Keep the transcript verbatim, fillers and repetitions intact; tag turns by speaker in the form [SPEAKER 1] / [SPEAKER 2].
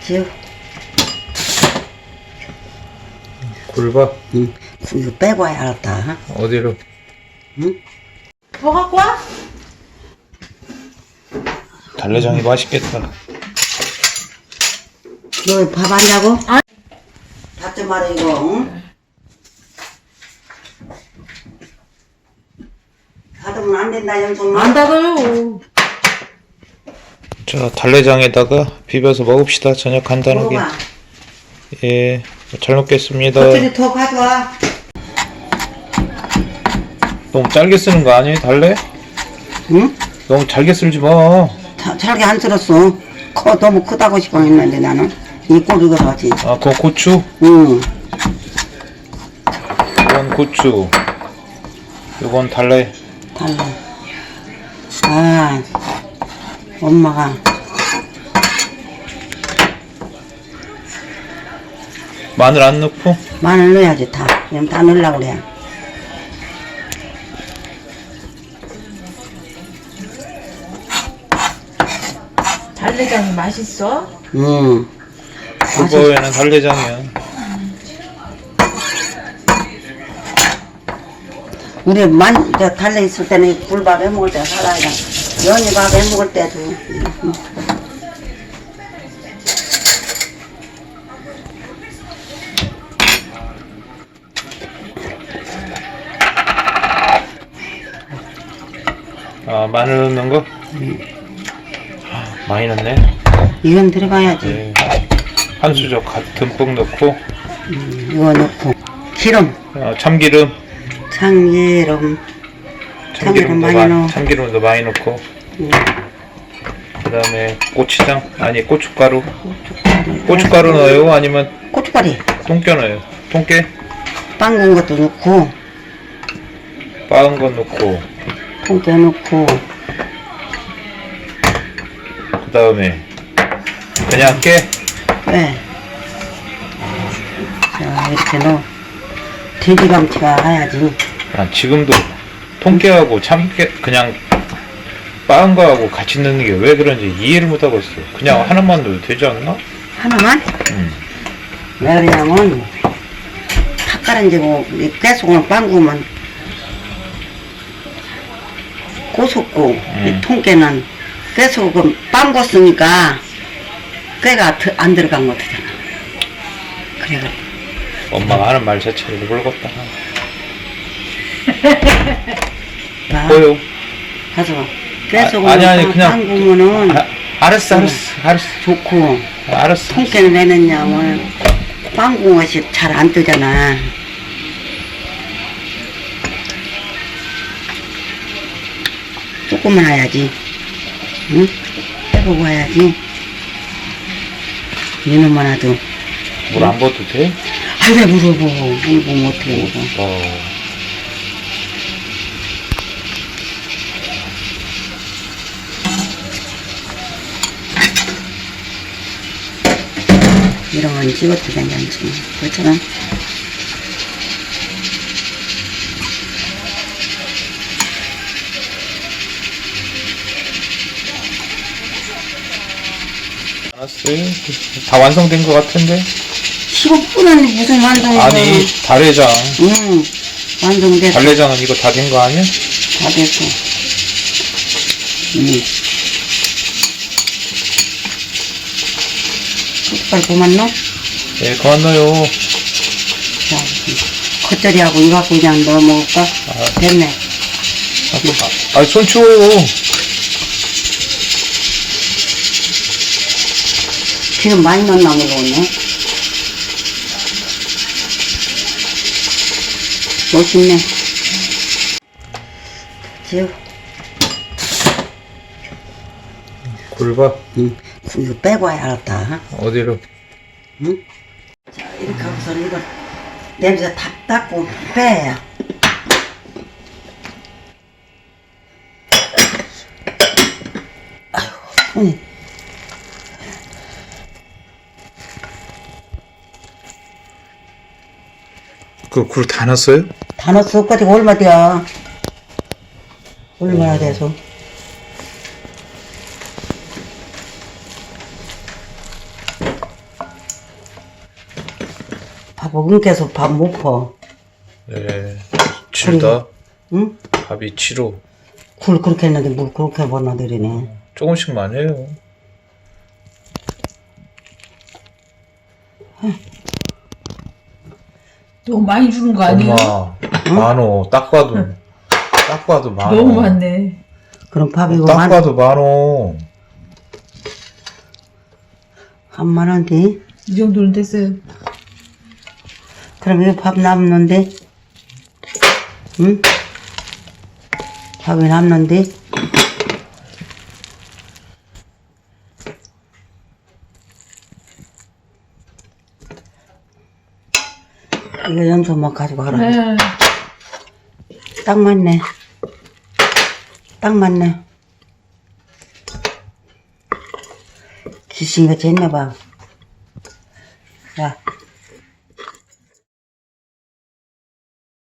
[SPEAKER 1] 지우.
[SPEAKER 2] 굴밥?
[SPEAKER 1] 응. 이거 빼고 와야 알았다.
[SPEAKER 2] 어디로?
[SPEAKER 1] 응?
[SPEAKER 3] 뭐 갖고 와?
[SPEAKER 2] 달래장이 맛있겠다.
[SPEAKER 1] 너 밥 안 자고?
[SPEAKER 3] 아니.
[SPEAKER 1] 닫지 마라 이거. 응? 닫으면 안 된다 영som.
[SPEAKER 3] 안 닫아요.
[SPEAKER 2] 자, 달래장에다가 비벼서 먹읍시다. 저녁 간단하게.
[SPEAKER 1] 먹어봐.
[SPEAKER 2] 예, 잘 먹겠습니다.
[SPEAKER 1] 겉절이 더 가져와.
[SPEAKER 2] 너무 짧게 쓰는 거 아니에요, 달래?
[SPEAKER 1] 응?
[SPEAKER 2] 너무 잘게 쓸지 마.
[SPEAKER 1] 자, 잘게 안 쓸었어. 커 너무 크다고 싶어 했는데 나는 이 꼴을 하지.
[SPEAKER 2] 아, 그거 고추?
[SPEAKER 1] 응.
[SPEAKER 2] 이건 고추. 이건 달래.
[SPEAKER 1] 달라. 아, 엄마가
[SPEAKER 2] 마늘 안 넣고?
[SPEAKER 1] 마늘 넣어야지 다. 그럼 다 넣으려고 그래.
[SPEAKER 3] 달래장이 맛있어?
[SPEAKER 1] 응.
[SPEAKER 2] 그거에는 달래장이야.
[SPEAKER 1] 우리 만, 저 달래 있을 때는 굴밥 해 먹을 때 살아야 연이밥 해 먹을 때도. 응.
[SPEAKER 2] 아, 마늘 넣는 거?
[SPEAKER 1] 응.
[SPEAKER 2] 아, 많이 넣네.
[SPEAKER 1] 이건 들어가야지.
[SPEAKER 2] 네. 한 수저 가- 듬뿍 넣고,
[SPEAKER 1] 음, 이거 넣고 기름,
[SPEAKER 2] 어, 참기름.
[SPEAKER 1] 참기름, 참기름
[SPEAKER 2] 참기름도,
[SPEAKER 1] 많이
[SPEAKER 2] 마,
[SPEAKER 1] 넣어.
[SPEAKER 2] 참기름도 많이 넣고,
[SPEAKER 1] 음,
[SPEAKER 2] 그 다음에 고추장, 아니 고춧가루.
[SPEAKER 1] 고춧가루,
[SPEAKER 2] 고춧가루 넣어요? 아니면
[SPEAKER 1] 고춧가루,
[SPEAKER 2] 통깨 넣어요? 통깨?
[SPEAKER 1] 빵군 것도 넣고,
[SPEAKER 2] 빻은 거 넣고,
[SPEAKER 1] 통깨 넣고,
[SPEAKER 2] 그 다음에 그냥 깨.
[SPEAKER 1] 네. 자 이렇게 넣어. 돼지감치가 해야지.
[SPEAKER 2] 아, 지금도 통깨하고 참깨 그냥 빻은 거하고 같이 넣는 게 왜 그런지 이해를 못하고 있어. 그냥 하나만 넣어도 되지 않나?
[SPEAKER 1] 하나만?
[SPEAKER 2] 음.
[SPEAKER 1] 왜 그러냐면 팥가른지고 깨소금 빵구면 고소고
[SPEAKER 2] 음.
[SPEAKER 1] 이 통깨는 깨소금 빵고 쓰니까 깨가 드- 안 들어간 것 같잖아. 그래 그래.
[SPEAKER 2] 엄마가 하는 말 자체를 모르겠다.
[SPEAKER 1] 봐.
[SPEAKER 2] 뭐요?
[SPEAKER 1] 가서 깨소금
[SPEAKER 2] 아, 아니, 아니, 그냥-
[SPEAKER 1] 빵구면은
[SPEAKER 2] 아, 알았어, 알았어, 알았어.
[SPEAKER 1] 좋고
[SPEAKER 2] 아, 알았어.
[SPEAKER 1] 통깨는 내느냐면 빵구 것이 잘 안 뜨잖아. 조금만 해야지. 응? 해보고 해야지. 이놈만 해도.
[SPEAKER 2] 물 안 부어도 돼?
[SPEAKER 1] 아, 왜 물어보. 물어보면 어떻게 먹어.
[SPEAKER 2] 어.
[SPEAKER 1] 이런 건 찍어도 괜찮지. 그렇잖아.
[SPEAKER 2] 알았어요. 다 완성된 것 같은데?
[SPEAKER 1] 십오 분은 무슨 완성이야.
[SPEAKER 2] 아니, 달래장.
[SPEAKER 1] 응. 완성됐어.
[SPEAKER 2] 달래장은 이거 다 된 거 아니야?
[SPEAKER 1] 다 됐어. 응. 숟갈 그만 넣어?
[SPEAKER 2] 예, 그만 넣어요.
[SPEAKER 1] 자, 겉절이하고 이거 갖고 그냥 넣어 먹을까?
[SPEAKER 2] 아.
[SPEAKER 1] 됐네.
[SPEAKER 2] 아, 아, 손 치워요.
[SPEAKER 1] 기름 많이 넣나 모르겠네. 멋있네. 지우.
[SPEAKER 2] 굴밥?
[SPEAKER 1] 응. 이거 빼고 와야 알았다.
[SPEAKER 2] 어디로?
[SPEAKER 1] 응? 자, 이렇게 하고서 이거 냄새 다 닦고 빼야. 아이고, 손이.
[SPEAKER 2] 그 굴 다 넣었어요?
[SPEAKER 1] 다 넣었어. 까지 얼마 돼야. 얼마나 돼서. 밥 엉켜서 밥 못 퍼.
[SPEAKER 2] 네. 칠다.
[SPEAKER 1] 응?
[SPEAKER 2] 밥이 칠호.
[SPEAKER 1] 굴 그렇게 했는데 물 그렇게 버나들이네.
[SPEAKER 2] 조금씩만 해요.
[SPEAKER 3] 너무 많이 주는 거 아니에요?
[SPEAKER 2] 엄마, 만호. 딱 봐도, 딱 봐도 만호.
[SPEAKER 3] 너무 많네.
[SPEAKER 1] 그럼 밥이고
[SPEAKER 2] 딱
[SPEAKER 1] 만,
[SPEAKER 2] 봐도 만호.
[SPEAKER 1] 한만 원디?
[SPEAKER 3] 이 정도는 됐어요.
[SPEAKER 1] 그럼 이거 밥 남는데? 응? 밥이 남는데? 이거 연소만 가지고 가라.
[SPEAKER 3] 네.
[SPEAKER 1] 딱 맞네. 딱 맞네. 귀신같이 했나봐. 야,